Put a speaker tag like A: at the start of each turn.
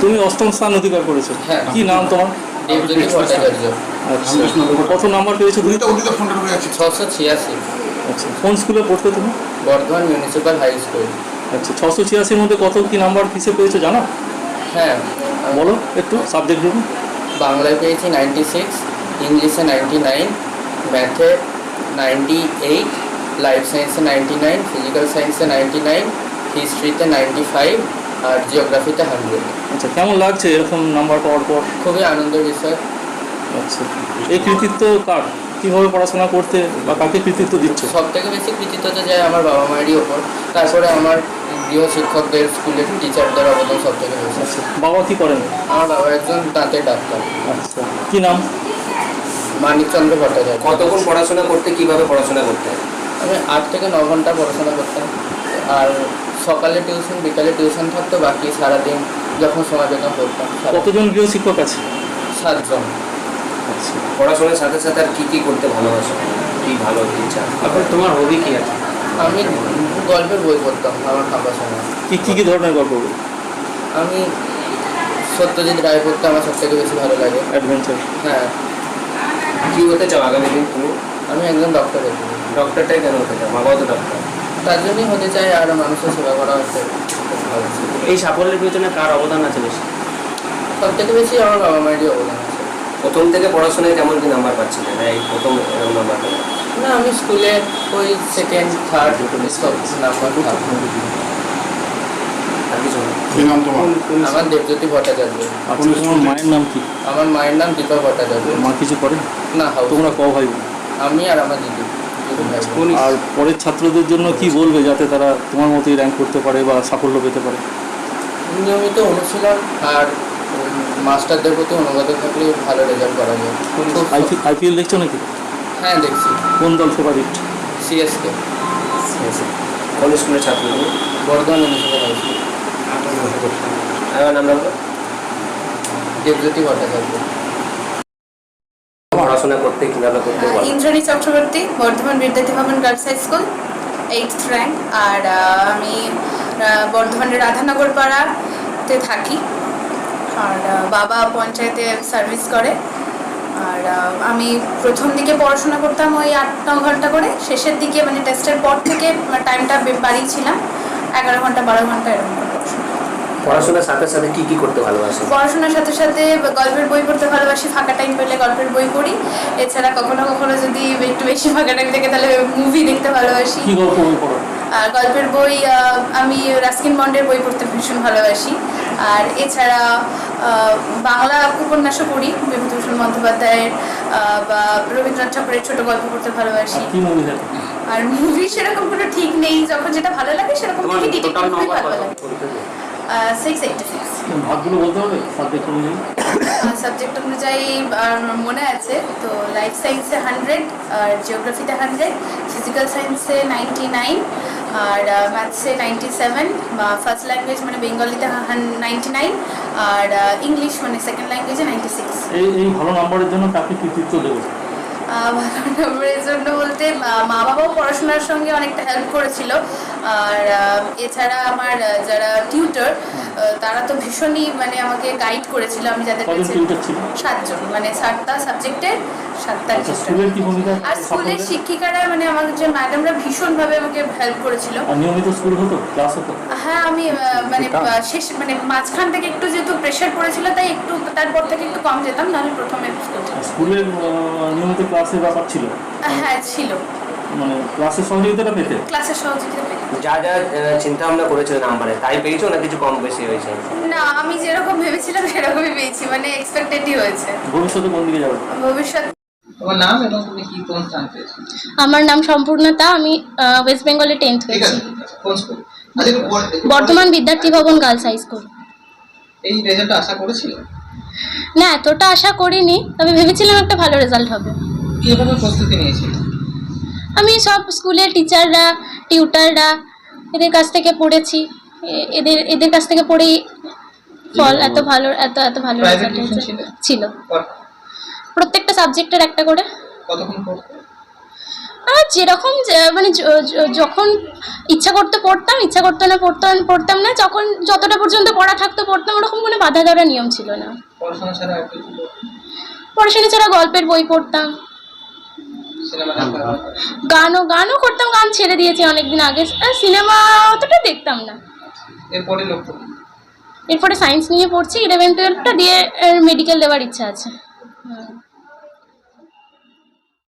A: তুমি অষ্টম স্থান অধিকার করেছো।
B: হ্যাঁ।
A: কি নাম তোমার?
B: দেবজ্যোতি ভট্টাচার্য।
A: আচ্ছা, কত নাম্বার পেয়েছো তুমি?
B: 686।
A: আচ্ছা, কোন স্কুলে পড়তে তুমি?
B: Bardhaman municipal high school.
A: আচ্ছা, 686-র মধ্যে কত কি নাম্বার কিসে পেয়েছো জানো?
B: হ্যাঁ,
A: বলো একটু সাবজেক্টগুলো।
B: বাংলায় পেয়েছি 96, ইংলিশে 99, ম্যাথে 98, লাইফ সায়েন্সে 99, ফিজিক্যাল সায়েন্সে 99, হিস্ট্রিতে 95 আর জিওগ্রাফিতে 100।
A: আচ্ছা, কেমন লাগছে এরকম নাম্বার পাওয়ার পর?
B: খুবই আনন্দের বিষয়।
A: আচ্ছা, এই কৃতিত্ব কার? কীভাবে পড়াশোনা করতে বা কাকে কৃতিত্ব দিচ্ছ?
B: সব থেকে বেশি কৃতিত্বতা যায় আমার বাবা মায়েরই ওপর, তারপরে আমার গৃহ শিক্ষকদের, স্কুলের টিচারদের অবদান সব থেকে বেশি।
A: আচ্ছা, বাবা কি করেন?
B: আমার বাবা একজন দাঁতের ডাক্তার।
A: আচ্ছা, কি নাম?
B: মানিকচন্দ্র ভট্টাচার্য।
C: কতক্ষণ পড়াশোনা করতে, কিভাবে পড়াশোনা করতে?
B: আমি 8 থেকে 9 ঘন্টা পড়াশোনা করতাম, আর সকালে টিউশন, বিকালে টিউশন থাকতো, বাকি সারাদিন যখন সময় পেতাম পড়তাম।
A: কতজন গৃহ শিক্ষক আছে?
B: 7 জন।
A: আচ্ছা,
C: পড়াশোনার সাথে সাথে আর কি কি করতে ভালোবাসো, কি ভালো ইচ্ছা?
D: তারপর তোমার হবি কি আছে?
B: আমি গল্পের বই পড়তাম আমার ফাঁকা সময়।
A: কি ধরনের গল্প?
B: আমি সত্যজিৎ রায় পড়তে আমার সব থেকে বেশি ভালো লাগে।
A: অ্যাডভেঞ্চার?
B: হ্যাঁ।
C: কি হতে চাও আগামী দিন তুমি?
B: আমি একজন ডক্টর হতে চাই।
C: ডক্টরটাই কেন হতে চাও? মা বাবা তো ডক্টর।
B: তার জন্যই হতে চাই, আর মানুষের সেবা করা হচ্ছে ভালো।
D: এই সাফল্যের পেছনে কার অবদান আছে বেশি?
B: সব থেকে বেশি আমার বাবা মায়েরই অবদান আছে।
C: প্রথম থেকে পড়াশোনায় কেমন কি নাম্বার পাচ্ছিলে? না এই প্রথম এরকম নাম্বার পেলে?
B: না, আমি স্কুলে ওই সেকেন্ড, থার্ড সব নাম্বার থাকতো।
C: আর কিছু না?
E: কি নাম তোমার?
B: আমার দেবজ্যোতি ভট্টাচার্য।
A: আচ্ছা, তোমার মায়ের নাম কি?
B: আমার মায়ের নাম দীপা ভট্টাচার্য।
A: মা কিছু করে
B: না, হাউস।
A: তোমরা ক ভাই বোন?
B: আমি আর আমার দিদি।
A: আর পরের ছাত্রদের জন্য কি বলবে যাতে তারা তোমার মতোই র্যাঙ্ক করতে পারে বা সাফল্য পেতে পারে?
B: নিয়মিত অনুশীলন আর মাস্টারদের প্রতি অনুগত থাকলে ভালো রেজাল্ট করা যায়।
A: আইপিএল দেখছো নাকি?
B: হ্যাঁ, দেখছি।
A: কোন দল ফেভারিট?
B: সিএসকে।
C: কোন স্কুলের ছাত্র তুমি?
B: Bardhaman municipal high school.
C: আমার নামটা বলো।
B: দেবজ্যোতি ভট্টাচার্য।
C: পড়াশোনা করতে কিভাবে করতে বলো?
F: Indrani Chakraborty, Bardhaman Vidyarthi Bhavan girls high school, 8th rank. আর আমি বর্ধমানের রাধানগর পাড়াতে থাকি, আর বাবা পঞ্চায়েতে সার্ভিস করে। আর আমি প্রথম দিকে পড়াশোনা করতাম ওই 8-9 ঘন্টা করে, শেষের দিকে মানে টেস্টের পর থেকে টাইমটা বাড়িয়েছিলাম, 11 ঘন্টা 12 ঘন্টা এরকম করে পড়াশোনা।
C: পড়াশোনার সাথে সাথে কি কি করতে ভালোবাসো?
F: পড়াশোনার সাথে সাথে গল্পের বই পড়তে ভালোবাসি, ফাঁকা টাইম পেলে গল্পের বই পড়ি। এছাড়া কখনো কখনো যদি একটু বেশি ফাঁকা টাইম থাকে তাহলে মুভি দেখতে ভালোবাসি।
A: কি গল্প বই পড়ো?
F: আর গল্পের বই আমি রাস্কিন বন্ডের বই পড়তে ভীষণ ভালোবাসি। আর এছাড়া বাংলা উপন্যাসও পড়ি, বিভূতিভূষণ বন্দ্যোপাধ্যায়ের বা রবীন্দ্রনাথ ঠাকুরের ছোট গল্প পড়তে ভালোবাসি।
A: কি মুভি দেখো?
F: আর মুভি সেরকম কোনো ঠিক নেই, যখন যেটা ভালো লাগে সেরকম
D: তোমার
F: দেখি।
D: টোটাল
F: ডিটেকটিভ
D: নাম্বার
F: ভালো
D: কত?
F: লাগে। 686।
A: ভাগগুলো বলতে হবে সাবজেক্ট অনুযায়ী?
F: সাবজেক্ট অনুযায়ী মনে আছে তো, লাইফ সায়েন্সে 100, আর জিওগ্রাফিতে 100, ফিজিক্যাল সায়েন্সে 99, আর ম্যাথসে 97, বা ফার্স্ট ল্যাঙ্গুয়েজ মানে বেঙ্গলিতে 99, আর ইংলিশ মানে সেকেন্ড ল্যাঙ্গুয়েজে 96।
A: এই ভালো নাম্বারের জন্য কাকে কৃতিত্ব দেবো?
F: ভালো নম্বরের জন্য বলতে মা বাবাও পড়াশোনার সঙ্গে অনেকটা হেল্প করেছিল। আর এছাড়া আমার যারা টিউটর, তারা তো ভীষণই মানে আমাকে গাইড করেছিল। আমি যাদের
A: কজন
F: কাছে
A: টিউটর ছিল?
F: 7 জন, মানে 7টা সাবজেক্টের 7টা
A: আচ্ছা,
F: টিউটর।
A: স্কুলের কি ভূমিকা?
F: আর স্কুলের শিক্ষিকারা মানে আমাদের যে ম্যাডামরা ভীষণভাবে আমাকে হেল্প করেছিল।
A: আর নিয়মিত স্কুল হতো, ক্লাস হতো?
F: হ্যাঁ, আমি মানে শেষ মানে মাঝখান থেকে একটু যেহেতু প্রেশার পড়েছিল তাই একটু, তারপর থেকে একটু কম যেতাম, নাহলে প্রথমে
A: স্কুলের নিয়মিত ক্লাসের ব্যাপার ছিল?
F: হ্যাঁ ছিল,
A: মানে ক্লাসের সহযোগিতাটা পেতে?
F: ক্লাসের সহযোগিতা পেতাম।
C: যা যা চিন্তা ভাবনা করেছো নাম্বারে তাই পেয়েছো, না কিছু কম বেশি হয়েছে?
F: না, আমি যেরকম ভেবেছিলাম সেরকমই পেয়েছি, মানে এক্সপেক্টেডই হয়েছে।
A: ভবিষ্যতে কোন দিকে যাবে?
F: ভবিষ্যৎ
B: তোমার নাম এবং তুমি কি কোন স্থান পেয়েছো?
G: আমার নাম সম্পূর্ণতা, আমি ওয়েস্ট বেঙ্গলে 10th হয়েছি,
B: কোন school?
G: Bardhaman Vidyarthi Bhavan girls high school.
B: এই রেজাল্টটা আশা করেছিল?
G: না, এতটা আশা করিনি, তবে ভেবেছিলাম একটা ভালো রেজাল্ট হবে।
B: কিভাবে প্রস্তুতি নিয়েছিল?
G: আমি সব স্কুলের টিচাররা, টিউটাররা, এদের কাছ থেকে পড়েছি, এদের কাছ থেকে পড়েই ফল এত ভালো রেজাল্ট ছিল। প্রত্যেকটা সাবজেক্টের একটা করে।
B: কতক্ষণ পড়তে?
G: যেরকম মানে যখন ইচ্ছা করতে পড়তাম, ইচ্ছা করতে না পড়তাম না, যখন যতটা পর্যন্ত পড়া থাকতো পড়তাম, ওরকম কোনো বাধা ধরা নিয়ম ছিল না।
B: পড়াশোনা ছাড়া আর কিছু
G: পড়াশোনা ছাড়া গল্পের বই পড়তাম,
B: সিনেমা দেখা
G: গানও করতাম, গান ছেড়ে দিয়েছি অনেকদিন আগে। সিনেমা অতটা দেখতাম না।
B: এরপরে লক্ষ্য
G: এরপরে সায়েন্স নিয়ে পড়ছি, 11-12টা দিয়ে মেডিকেল দেওয়ার ইচ্ছা আছে।